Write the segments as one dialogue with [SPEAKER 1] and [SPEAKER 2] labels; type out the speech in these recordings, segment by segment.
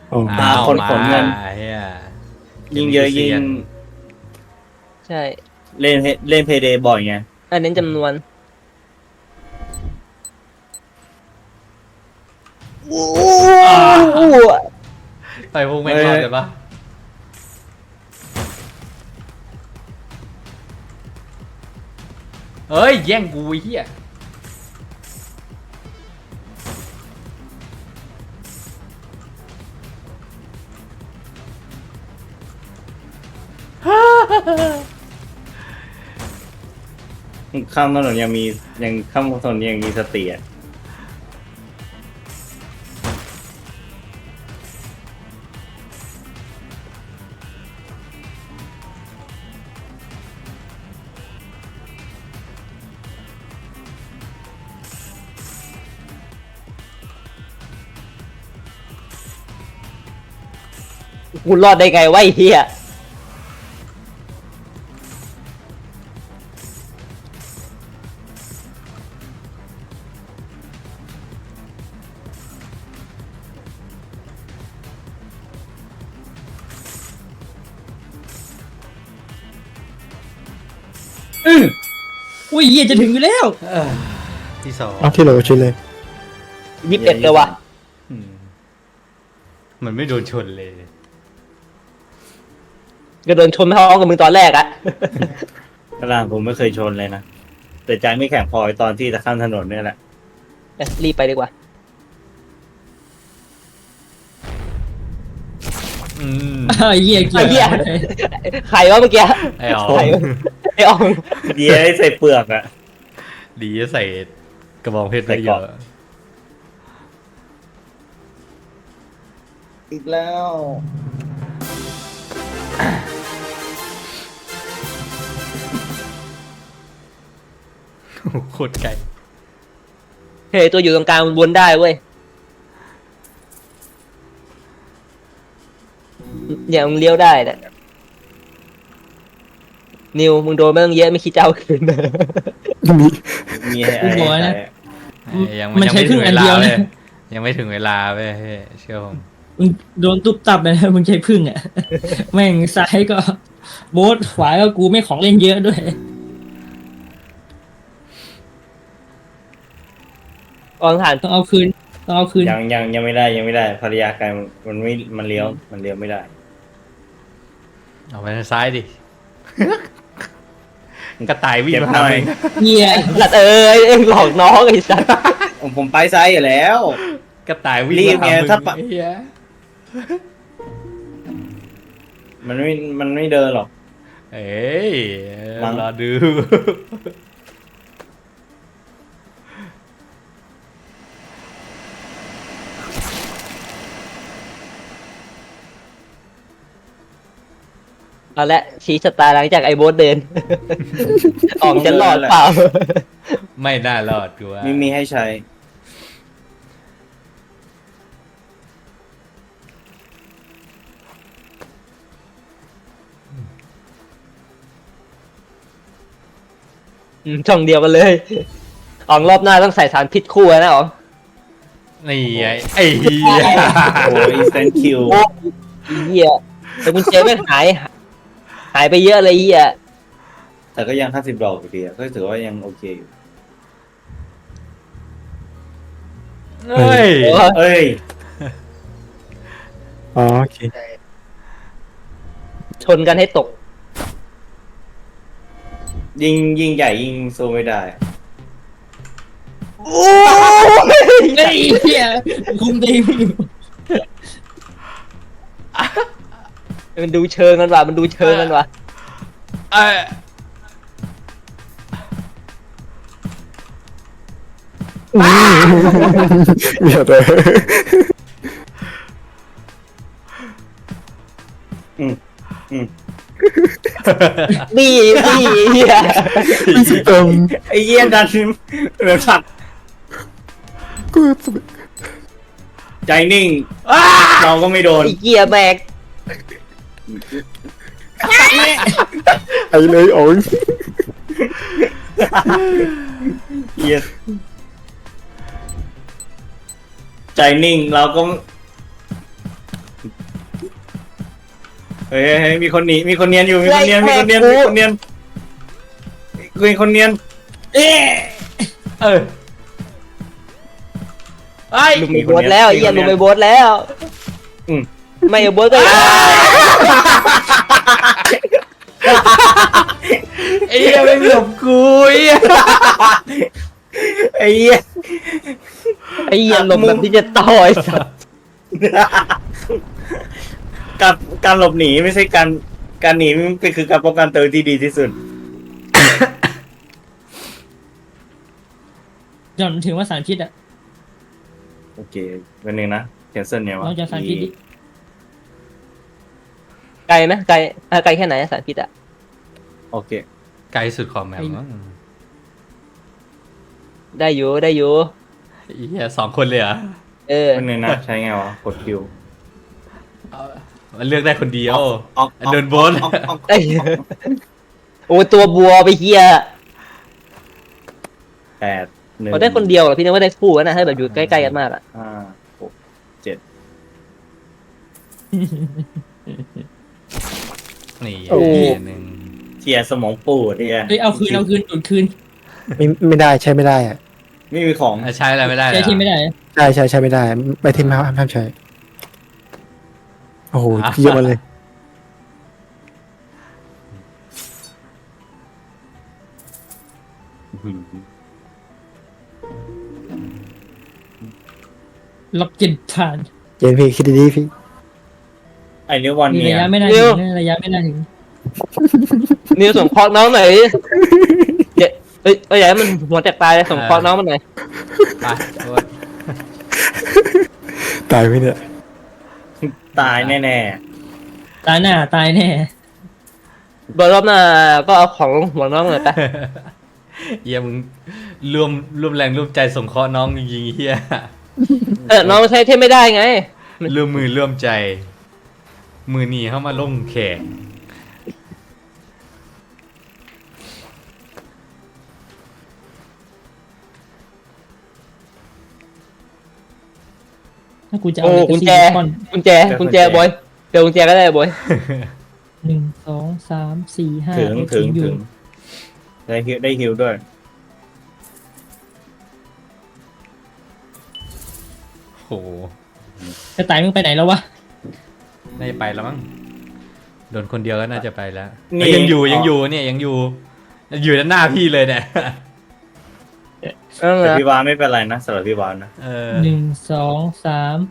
[SPEAKER 1] อ๋อ
[SPEAKER 2] มาขนเงิน
[SPEAKER 3] เฮีย
[SPEAKER 2] ยิงเยอะยิง
[SPEAKER 4] ใช่
[SPEAKER 2] เล่นเพย์เดย์บ่อยไง
[SPEAKER 4] อันเน้นจำนวนโอ้โห
[SPEAKER 3] ไปพวกแม่งรอดเลยปะเฮ้ยแย่งกูไอ้เฮีย
[SPEAKER 2] ข้ามถนนยังข้ามถนนยังมีสติอ่ะ
[SPEAKER 4] กูรอดได้ไงวะไอ้เหี้ย
[SPEAKER 5] อุ้ยเหี้ยจะถึงอยู่แล้ว
[SPEAKER 3] ที่สอง
[SPEAKER 1] เอาที่โหลชิ้นเลย
[SPEAKER 4] 21เลยวะ
[SPEAKER 3] อืมมันไม่โดนชนเลย
[SPEAKER 4] ก็โดนชนท้องกับมึงตอนแรกอะ
[SPEAKER 2] กระดานผมไม่เคยชนเลยนะ แต่ใจไม่แข็งพอตอนที่จะข้ามถนนเนี่ยแหละ
[SPEAKER 4] รีบไปดีกว่า
[SPEAKER 3] อืม
[SPEAKER 5] ไอ้เหี้ยเกี่
[SPEAKER 4] ไอ้
[SPEAKER 5] ยว
[SPEAKER 4] เหี้ยใครวะเมื่อกี้
[SPEAKER 3] ไอ้อ๋อ
[SPEAKER 4] ใครวะไอ้ออง
[SPEAKER 2] เดียให้ใส่เปลือกอ่ะ
[SPEAKER 3] ดีจะใส่กระบองเพชรไปเยอะ
[SPEAKER 2] อีกแล้ว
[SPEAKER 3] โคตรไกล
[SPEAKER 4] เฮ้ยตัวอยู่ตรงกลางมันวนได้เว้ยอย่างมึงเลี้ยวได้เนี่ยนิวมึงโดนไม่ต้องเยอะไม่คิดจะเอาคืนนะ
[SPEAKER 1] มี
[SPEAKER 2] มีให้ไอ้ใส่
[SPEAKER 3] ยัง
[SPEAKER 5] มันใช้
[SPEAKER 3] ไม่
[SPEAKER 5] ครึ่
[SPEAKER 3] ถึ
[SPEAKER 5] ง
[SPEAKER 3] ง
[SPEAKER 5] อั
[SPEAKER 3] เวน ลา
[SPEAKER 5] เดียว
[SPEAKER 3] เล
[SPEAKER 5] นะ
[SPEAKER 3] ยยังไม่ถึงเวลาเว้ยเชื่อผม
[SPEAKER 5] มึงโดนตุ๊บตับเลยนะมึงใช้พึ่งอ่ะ แม่งซ้ายก็โบ๊ทขวาก็กูไม่ของเล่นเยอะด้วย
[SPEAKER 4] อองผ่าน
[SPEAKER 5] ต้องเอาคืนต้องเอาคืน
[SPEAKER 2] ยังไม่ได้ภรรยากายมันเลี้ยวไม่ได้
[SPEAKER 3] เอาไปทางซ้ายดิ กระต่ายวิ่ง
[SPEAKER 2] เจ็บ
[SPEAKER 3] มา
[SPEAKER 2] หน่อย
[SPEAKER 5] เหี้ย
[SPEAKER 4] หลัดเอ็งหลอกน้องไอ้สัส
[SPEAKER 2] ผมไปซ้ายอยู่แล้ว
[SPEAKER 3] กระต่ายวิ่ง
[SPEAKER 2] รีบ
[SPEAKER 3] มา
[SPEAKER 2] ไง
[SPEAKER 3] หามึง
[SPEAKER 2] ถ้าปะ
[SPEAKER 3] ไอ้เหี้ย
[SPEAKER 2] มันไม่เดินหรอก
[SPEAKER 3] เอ้ย
[SPEAKER 2] มั้ง
[SPEAKER 3] รอดู
[SPEAKER 4] เอาละชี้ชะตาหลังจากไอ้โบ๊ทเดิน ออกจะรอดเปล่า
[SPEAKER 3] ไม่น่ารอดกูว่า
[SPEAKER 2] ไม่มีให้ใช้
[SPEAKER 4] ช่องเดียวกันเลยออกรอบหน้าต้องใส่สารพิษคู่นะอ๋อง
[SPEAKER 3] นี่ไงไอ้เหี้ย
[SPEAKER 2] โอ้ยเซนคิว
[SPEAKER 4] โอ้ยเหี้ยแต่กุญแจไม่งหายไปเยอะเลยเหี้ย
[SPEAKER 2] แต่ก็ยัง50 ดอกอยู่ดีอะก็ถือว่ายังโอเคอยู่
[SPEAKER 3] เฮ้ย
[SPEAKER 2] เอ้ย
[SPEAKER 1] อ๋อโอเค
[SPEAKER 4] ชนกันให้ตก
[SPEAKER 2] ยิงใหญ่ยิงโซไม่ได้
[SPEAKER 4] โอ้ย
[SPEAKER 5] ไอ้เหี้ยคุมตีไม่อยู่
[SPEAKER 4] มันดูเชิงกันว่ะมันดูเชิงกันว่ะ
[SPEAKER 3] เอ้ย
[SPEAKER 1] เดี๋ยวเลย
[SPEAKER 4] นี่เหี้ย
[SPEAKER 1] พี่สิตรง
[SPEAKER 2] ไอ้เยี่ยดันเหลือสัตว์
[SPEAKER 1] กู
[SPEAKER 2] ใจนิ่ง เราก็ไม่โดน
[SPEAKER 4] ไอ้เหี้ยแบก
[SPEAKER 1] ไอ้เลยโอ้ย
[SPEAKER 2] เยี่ยใจนิ่งเราก็เฮ้ยมีคนหนีมีคนเนียนอยู่มีคนเนียนมีคนเนียนมีคนเนียนมีคนเนียน
[SPEAKER 5] เอ๊ะ
[SPEAKER 3] เออไอ้
[SPEAKER 4] ลุงไปโบสแล้วไอ้เหี้ยลุงไปโบสแล้ว
[SPEAKER 2] อืม
[SPEAKER 4] ไม่เอาโบสก็
[SPEAKER 3] ไอ้เหี้ยไม่หลบกูไอ้เหี้ย
[SPEAKER 2] ไอ้เหี้ย
[SPEAKER 4] ไอ้เหี้ยลมแบบที่จะต่อยสัตว์
[SPEAKER 2] การหลบหนีไม่ใช่การหนีมันเป็นคือการป้องกันตัวที่ดีที่สุด
[SPEAKER 5] จนถึงว่าสารพิษอ่ะ
[SPEAKER 2] โอเคเป็นหนึ่งนะแคนเซิลเนี่ยวะ
[SPEAKER 5] เราจะสารพิษดิ
[SPEAKER 4] ไกลไหมไกลไกลแค่ไหนสารพิษอ่ะ
[SPEAKER 2] โอเค
[SPEAKER 3] ไกลสุดของแมปมั้ง
[SPEAKER 4] ได้อยู่ได้อยู่
[SPEAKER 3] ไอ้เหี้ย2 คนเลยเหรอ
[SPEAKER 4] เออ
[SPEAKER 2] เป็นหนึ่งนะใช้ไงวะกดคิว
[SPEAKER 3] มันเลือกได้คนเดียว
[SPEAKER 2] ออก
[SPEAKER 3] เดินบน
[SPEAKER 4] ไอ้โอ้ตัวบัวไปเฮีย
[SPEAKER 2] 8 1
[SPEAKER 4] เขาได้คนเดียวเหรอพี่นึกว่าได้คู่นะถ้าแบบอยู่ใกล้ๆกันมากอ่ะ
[SPEAKER 2] 5 6 7
[SPEAKER 3] นี่
[SPEAKER 1] โอ้
[SPEAKER 3] หนึ่ง
[SPEAKER 2] เทียสมองปูดเนี่ย
[SPEAKER 5] เฮ้ยเอาคืนดูดคืน
[SPEAKER 1] ไม่ได้ใช้ไม่ได้อะ
[SPEAKER 2] ไม่มีของ
[SPEAKER 3] ใช้อะไรไม่ได้เหร
[SPEAKER 5] ใช้
[SPEAKER 3] อ
[SPEAKER 5] ที่ไม่ได้
[SPEAKER 1] ใช้ไม่ได้ไปทีมห้ามใช้โอ้โหเยอะมาเลย
[SPEAKER 5] ล็อกเจ็ดผ่าน
[SPEAKER 1] เจนพี่คิดดีๆพี่
[SPEAKER 2] ไอ้นิ้ววัน
[SPEAKER 5] มี
[SPEAKER 2] เนี่
[SPEAKER 5] ระ
[SPEAKER 2] ย
[SPEAKER 5] ยะไม่น่าถึงระยะไม่น่าถึง
[SPEAKER 4] นิวส่งคอน้องหน่อยเอ้ยอย่าให้มันหัวแตกตายเลยส่งคอน้องมันหน่อย
[SPEAKER 3] ไปโอ๊ย
[SPEAKER 1] ตายไหมเนี่ย
[SPEAKER 2] ตายแน่
[SPEAKER 5] ตายหน้าตายแน่
[SPEAKER 4] บอลรอบหน้าก็เอาของหัวน้องหน่อยไป
[SPEAKER 3] เหี้ยมึงร่วมแรงร่วมใจส่งเคราะห์น้องจริงๆเฮีย
[SPEAKER 4] น้องใช้เทพไม่ได้ไง
[SPEAKER 3] ร่วมมือร่วมใจ มือหนีเข้ามาลงแข่ง
[SPEAKER 5] ถ้ากูจะเอา
[SPEAKER 4] โอ้
[SPEAKER 5] เลกา
[SPEAKER 4] กุญ
[SPEAKER 5] ซี่
[SPEAKER 4] แจ
[SPEAKER 5] คอน
[SPEAKER 4] กุญแจบอยเดี๋ยวกุญแจก็ได้บอย
[SPEAKER 5] 1 2 3 4 5
[SPEAKER 2] ถึงได้ฮิวด้วย
[SPEAKER 3] โอ้โห
[SPEAKER 5] จะตายมึงไปไหนแล้ววะ
[SPEAKER 3] น่าจะไปแล้วมั้งโดนคนเดียวก็น่าจะไปแล้ว
[SPEAKER 2] นี่
[SPEAKER 3] ยังอยู่เนี่ยยังอยู่ด้านหน้าพี่เลยเนี่ย
[SPEAKER 2] แต่พี่วานไม่เป็นไรนะสำหรับพี่วานนะ
[SPEAKER 3] เออ
[SPEAKER 5] 1 2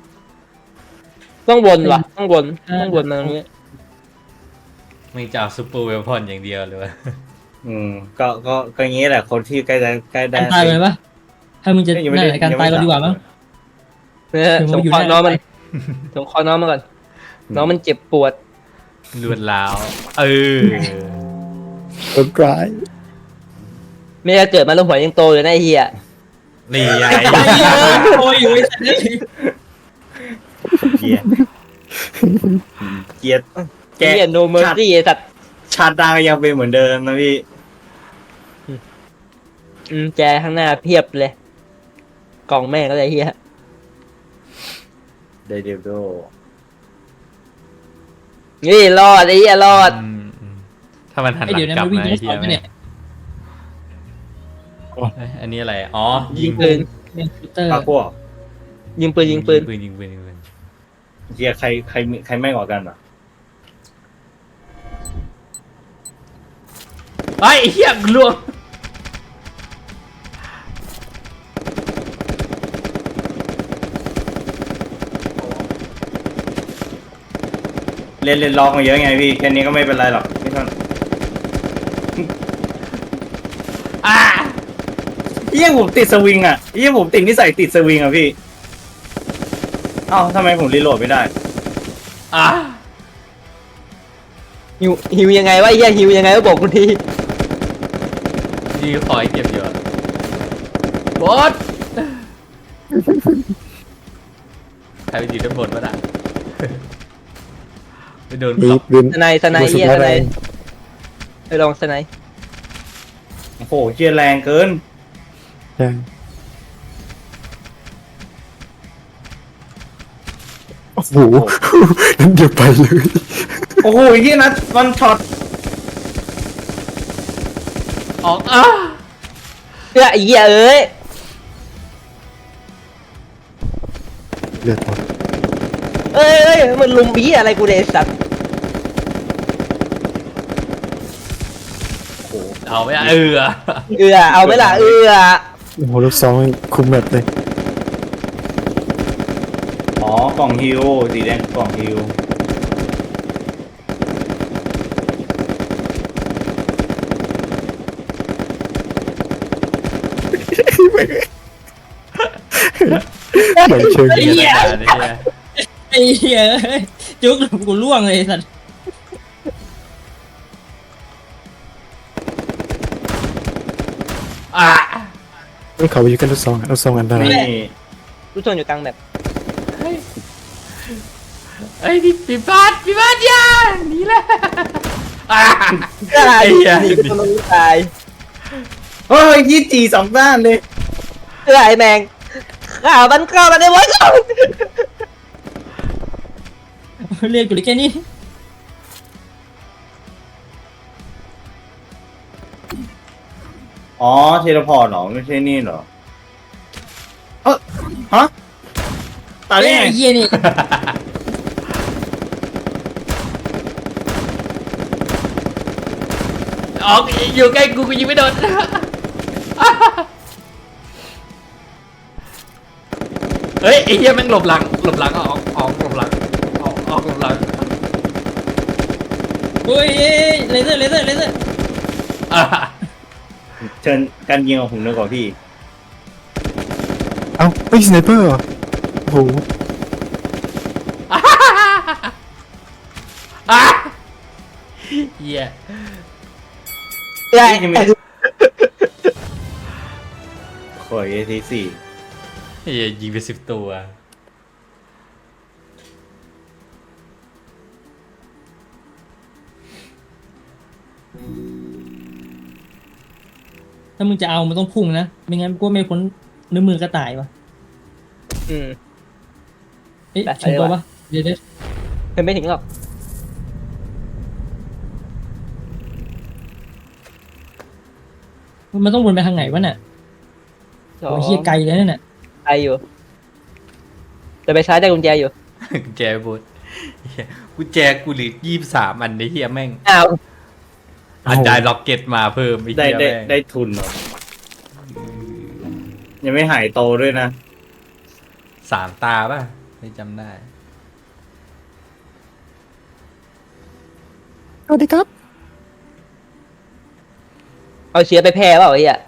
[SPEAKER 5] 3
[SPEAKER 4] ต้องวนว่ะต้องวนมาตรงนี้
[SPEAKER 3] ไม่จะเอาซูเปอร์เวลพอนอย่างเดียวเลยวะ
[SPEAKER 2] ก็อย่างนี้แหละคนที่ใกล้ได้
[SPEAKER 5] การตายเลยปะถ้ามึงจะนั่นแหละการตายก็ดีกว่ามั้ง
[SPEAKER 4] เนี่ยส่งคอน้องมันส่งคอน้องมาก่อนน้องมันเจ็บปวด
[SPEAKER 3] ลวนลาวเออ
[SPEAKER 1] คนร้าย
[SPEAKER 4] ไม่ได้เกิดมาแล้วหัวยังโตเลยนะไอ้เหี้ย
[SPEAKER 3] นี่ไง
[SPEAKER 5] โอ้ยอยู่ไอ้สัตว์เลย
[SPEAKER 2] เกียร์เกียร์
[SPEAKER 4] ไอ้เหี้ยโนเมอร์ซี่ไอ้สัตว์
[SPEAKER 2] ชาติดาก็ยังเป็นเหมือนเดิมนะพี่
[SPEAKER 4] แจข้างหน้าเพียบเลยกล่องแม่งก็เลยเหี้ย
[SPEAKER 2] ไดเดโด
[SPEAKER 4] นี่รอดไอ้เหี้ยรอด
[SPEAKER 3] ถ้ามันหันห
[SPEAKER 5] ไอ้
[SPEAKER 3] ลั
[SPEAKER 5] เดี๋ยว
[SPEAKER 3] ง
[SPEAKER 5] นะ
[SPEAKER 3] กลับ
[SPEAKER 5] มันวิ่ง
[SPEAKER 3] มา
[SPEAKER 5] ย้อนส
[SPEAKER 3] ไอ้เหี้
[SPEAKER 5] อย นไปเนี่ย
[SPEAKER 3] อันนี้อะไรอ๋อ
[SPEAKER 4] ยิงปืน
[SPEAKER 5] เป็นชูเตอร์
[SPEAKER 2] ปาพวก
[SPEAKER 4] ยิงปืน
[SPEAKER 3] ยิงปืน
[SPEAKER 2] เกียร์ใครไม่กว่ากันอ่ะ
[SPEAKER 3] ไอ้เหี้ยล่วง
[SPEAKER 2] เล่นล็อกมาเยอะไงพี่แค่นี้ก็ไม่เป็นไรหรอกไม่ต้อง
[SPEAKER 3] อ่า
[SPEAKER 2] ผมติดสวิงอ่ะผมติดนิสัยติดสวิงอ่ะพี่เอ้าทำไมผมรีโหลดไม่ได้
[SPEAKER 3] อ่า
[SPEAKER 4] หิวยังไงวะไอ้เหี้ยหิวยังไงก็บอกกูที
[SPEAKER 3] นี่คอยเก็บอยู่อะบอสใครไปอยู่ด้านบนวะน่ะไปโดน
[SPEAKER 1] นี่
[SPEAKER 3] ขับ
[SPEAKER 1] ลืม
[SPEAKER 4] สไนเหี้ยสไนไปลองสไน
[SPEAKER 2] โอ้โหเกียร์แรงเกิน
[SPEAKER 1] ใช่โอ้โหนั่นเดี๋ยวไปเลย
[SPEAKER 2] โอ้โหเฮียนะวันช็อต
[SPEAKER 3] ออก
[SPEAKER 4] ไอ้เหี้ยเอ้ย
[SPEAKER 1] เลือดหมด
[SPEAKER 4] เอ้ยมันลุมบี้ยอะไรกูเนี่ยไอ้สัตว์
[SPEAKER 3] เอาไม่ได้
[SPEAKER 4] เอาไหมล่ะ
[SPEAKER 1] โอ้โหลูกซองคุมแบบเลย
[SPEAKER 2] อ๋อกล่องฮิวสีแดงกล่องฮิว
[SPEAKER 1] เหมือนเชิง
[SPEAKER 5] ไอ้เหี้ย
[SPEAKER 3] เนี่ย
[SPEAKER 5] ไอ้เหี้ยเอ้ยจุกกูล่วงเลยไอ้สัตว์
[SPEAKER 3] อ่ะ
[SPEAKER 1] ไม่เขาไปอยู่กันลูกซองลูกซองอันตราย
[SPEAKER 2] นี่
[SPEAKER 4] รู้ชนอยู่กลางแบบ
[SPEAKER 3] ไอ้นี่ปีบาสยาหนีแล้วอ่ะ
[SPEAKER 4] ตาย
[SPEAKER 3] ไอ้เหี้ย
[SPEAKER 4] หนีคนมันตาย
[SPEAKER 2] เฮ้ยยี่จีสองด้านเลย
[SPEAKER 4] ไอ้แมงข่าวมันเข้ามาในวันก่อน
[SPEAKER 5] เรียกกูได้แค่นี้
[SPEAKER 2] อ๋อเทเลพอร์ตเหรอไม่ใช่นี่เหรอฮะตายได้ไง
[SPEAKER 5] ไอ้เหี้ยนี่
[SPEAKER 3] ออกอยู่ใกล้กูยิงไม่โดนเฮ้ยไอ้เหี้ยแม่งหลบหลังออกหลบหลังออกหลบหลัง
[SPEAKER 5] โอ้ยเลเซอร์
[SPEAKER 3] อ่ะ
[SPEAKER 2] เชิญการยิงของผมดีกว่าพี่
[SPEAKER 1] เอ้าไม่สไนเปอร์เหรอโอ้โห
[SPEAKER 3] อ่ะเหี้ย
[SPEAKER 4] ไอ้
[SPEAKER 2] ขอเอทีสี่
[SPEAKER 3] เหี้ยยิงไป10 ตัว
[SPEAKER 5] ถ้ามึงจะเอามันต้องพุ่งนะไม่งั้นกูไม่พ้นเนื้อมือกระต่ายวะ
[SPEAKER 4] อืม
[SPEAKER 5] เอ๊ะ
[SPEAKER 4] ไป
[SPEAKER 5] ถึงตัว
[SPEAKER 4] ไป
[SPEAKER 5] ปะเดี๋ยว
[SPEAKER 4] เป็นไม่ถึงหรอก
[SPEAKER 5] มันต้องวนไปทางไหนวะเนี่ยโอ้ยเหี้ยไกลเลยนั่นน่ะ
[SPEAKER 4] ไกลอยู่จะไปซ้ายได้กุญแจอยู่
[SPEAKER 3] กุญแจบดเหี้ยกุญแจกูเหลือ23 อันในเหี้ยแม่ง
[SPEAKER 4] อ้าว
[SPEAKER 3] อันได้ล็อกเก็ตมาเพิ่มไอ้
[SPEAKER 2] ได้
[SPEAKER 3] เหี้ย
[SPEAKER 2] ได้
[SPEAKER 3] แม่ง
[SPEAKER 2] ได้ทุนเหรอยังไม่หายโตด้วยนะ
[SPEAKER 3] 3 ตาป่ะไม่จำได้
[SPEAKER 1] สวัสดีครับ
[SPEAKER 4] เอาเชื้อไปแพร่เปล่าไอ้เหี้ย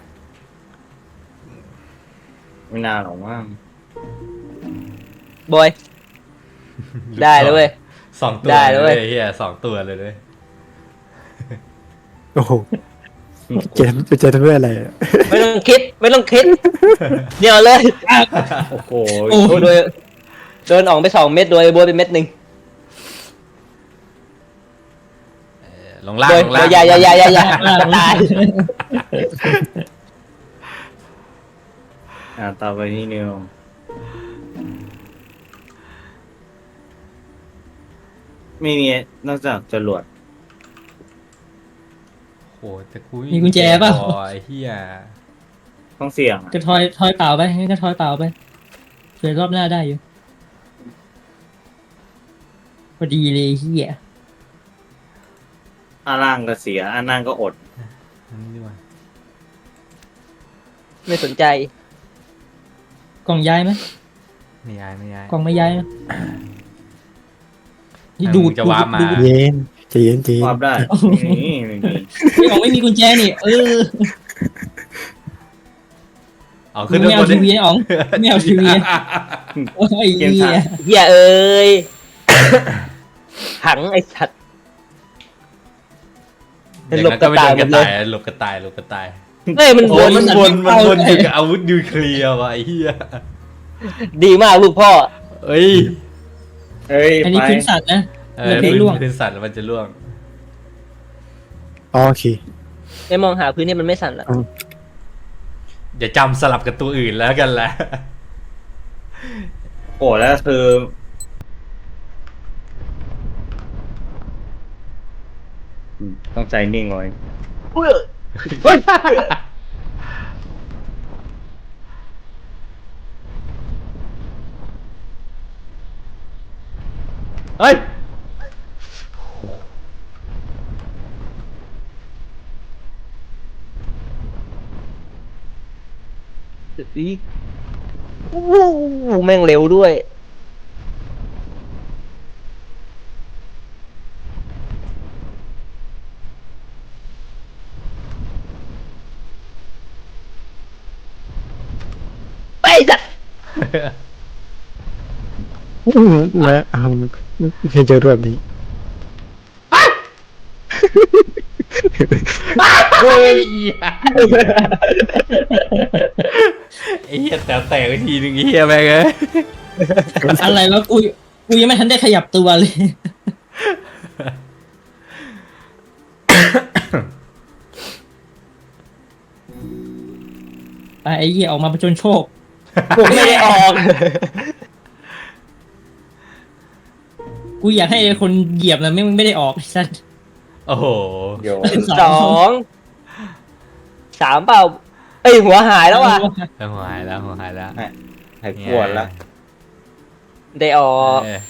[SPEAKER 2] ไม่นานหรอกมั้ง
[SPEAKER 4] บอย ได้แล้วเว้ย
[SPEAKER 3] 2 ตัว
[SPEAKER 4] ได้แล้วเว้ย
[SPEAKER 3] เหี้ย2 ตัวเลยด้วย
[SPEAKER 1] โอ้โหเจนไปเจอทำด้วยอะไรอะ
[SPEAKER 4] ไม่ต้องคิดเดี๋ยวเลย
[SPEAKER 2] โอ้โห
[SPEAKER 5] โอ้
[SPEAKER 4] โดยโดนออกไป2 เม็ดโดยบอยไปเม็ดหนึ่ง
[SPEAKER 3] ลงล่าง
[SPEAKER 4] โดย
[SPEAKER 3] ลงล่าง
[SPEAKER 4] อย่าตาย
[SPEAKER 2] ต่อไปนี่นิวไม่มีนอกจากจรวด
[SPEAKER 3] โอ้แต่กู
[SPEAKER 5] มีกุญแจป่ะ
[SPEAKER 3] พอไอ้เหี้ย
[SPEAKER 2] ต้องเสี่ยงอะ
[SPEAKER 5] ก็ทอยเปล่าไปงั้นก็ทอยเปล่าไปเผื่อรอบหน้าได้อยู่พอดีเลยเหี้ย
[SPEAKER 2] อันล่างก็เสียอันล่างก็อด
[SPEAKER 3] อันนี้ดีกว่า
[SPEAKER 4] ไม่สนใจ
[SPEAKER 5] กล่องย้ายไหม
[SPEAKER 3] ไม่ย้าย
[SPEAKER 5] กล่องไม่ย้ายนะนี่
[SPEAKER 3] ถ้า
[SPEAKER 5] ดู
[SPEAKER 3] มึ
[SPEAKER 5] ด
[SPEAKER 3] งจะวาร์ปมา
[SPEAKER 1] เย็นใจเย็นใจเย็น
[SPEAKER 2] วาร์ปได้นี่ไม่มี
[SPEAKER 5] ไอ้ของไม่มีกุญแจนี่
[SPEAKER 3] เอา
[SPEAKER 5] มึ
[SPEAKER 3] ขึ้น
[SPEAKER 5] งไม่เอา
[SPEAKER 3] บน
[SPEAKER 5] ทีวีอ๋องไม่เอาทีวีโอ้ยเหี้ย
[SPEAKER 4] เหี้ยเอ้ยหังไอ้สัตว์
[SPEAKER 3] อย่าง
[SPEAKER 4] หลบ
[SPEAKER 3] นั้น
[SPEAKER 4] ก
[SPEAKER 3] ก็
[SPEAKER 4] ระ
[SPEAKER 3] ไม่
[SPEAKER 4] ต่า
[SPEAKER 3] โด
[SPEAKER 4] ย
[SPEAKER 3] น
[SPEAKER 4] หม
[SPEAKER 3] ก
[SPEAKER 4] ด
[SPEAKER 3] ระ
[SPEAKER 4] เลย
[SPEAKER 3] ต่ายหลบกระต่าย
[SPEAKER 4] เฮ้ยมัน
[SPEAKER 3] โอ้
[SPEAKER 4] วน
[SPEAKER 3] มันวนถึงอาวุธนิวเคลียร์ว่ะไอ้เหี้ย
[SPEAKER 4] ดีมากลูกพ่อ
[SPEAKER 3] เอ้ย
[SPEAKER 2] เอ้ย
[SPEAKER 5] อันนี้
[SPEAKER 2] ไป
[SPEAKER 5] พื้นสัตว์นะ
[SPEAKER 3] เออ
[SPEAKER 5] พื้นล่วง
[SPEAKER 3] พื้นสัตว์แล้วมันจะล่วง
[SPEAKER 1] อ๋อโอเค
[SPEAKER 4] ไม่มองหาพื้นที่มันไม่สั่นละ
[SPEAKER 3] อย่าจำสลับกับตัวอื่นแล้วกันแหละ
[SPEAKER 2] โอ้แล้วคือต้องใจนิ่งไว้
[SPEAKER 4] เฮ้ย
[SPEAKER 3] เฮ้ย
[SPEAKER 4] อีกโอ้โหแม่งเร็วด้วย ไปสัตว์
[SPEAKER 1] และไม่เคยเจอแบบนี้
[SPEAKER 3] เฮ้ยไอ้เหี้ยแต่แตกไปทีนึงไอ้เหี้ยแม่งเอ้ย
[SPEAKER 5] อะไรวะกูยังไม่ทันได้ขยับตัวเลย ไปไอ้เหี้ยออกมาประจนโชค
[SPEAKER 4] ผมไม่ได้ออก
[SPEAKER 5] กูอยากให้ไอ้คนเหยียบนะไม่ได้ออกไอ้สัส
[SPEAKER 3] โอ้โห
[SPEAKER 2] โย
[SPEAKER 4] สองสามเปล่าเอ้ยหัวหายแล้วว่ะ
[SPEAKER 3] หัวหายแล้วหัวหายแล้ว
[SPEAKER 2] หายปวดละ
[SPEAKER 4] ได้ออก
[SPEAKER 3] เออ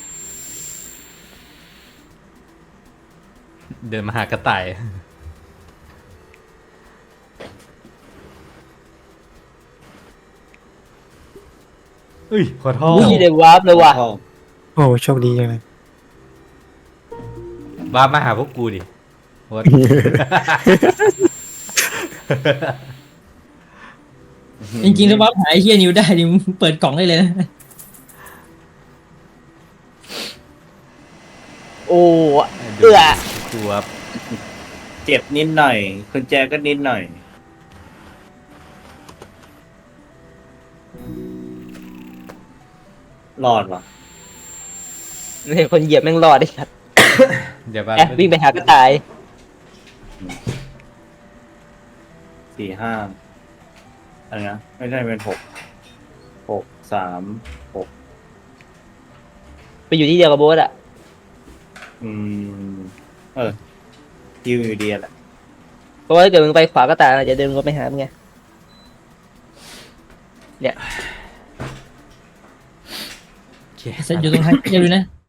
[SPEAKER 3] เดินมาหากระต่ายเฮ้ยขอโทษ
[SPEAKER 4] อุ้ยได้วาร์ปเลยว่ะ
[SPEAKER 1] โอ้โชคดีจังเลย
[SPEAKER 3] บ้ามาหาพวกกูดิวด
[SPEAKER 5] จริงๆแล้วว่าหายไอ้เหี้ยนิวได้ดิมึงเปิดกล่องได้เลยนะ
[SPEAKER 4] โอ้เอื้อ
[SPEAKER 3] กูว่า
[SPEAKER 2] เจ็บนิดหน่อยคุณแจก็นิดหน่อย รอดวะ
[SPEAKER 4] เห็นคนเหยียบแม่งรอดได้สัตว์
[SPEAKER 3] เดี๋ยวบ้า
[SPEAKER 4] แอบวิ่งไปหากระต่าย
[SPEAKER 2] 4 5อะไรนะไม่ใช่เป็น6 3 6
[SPEAKER 4] ไปอยู่ที่เดียวกับโบ๊ทอะ
[SPEAKER 2] ยิวอยู่ดีแหละ
[SPEAKER 4] เพราะว่าถ้าเกิดมึงไปขวากระต่ายอาจจะเดินก็ไปหามึงไงเนี่ย
[SPEAKER 3] โอเค
[SPEAKER 5] ไอ้สัสอยู่ตรงท้ายเดียวเลยนะ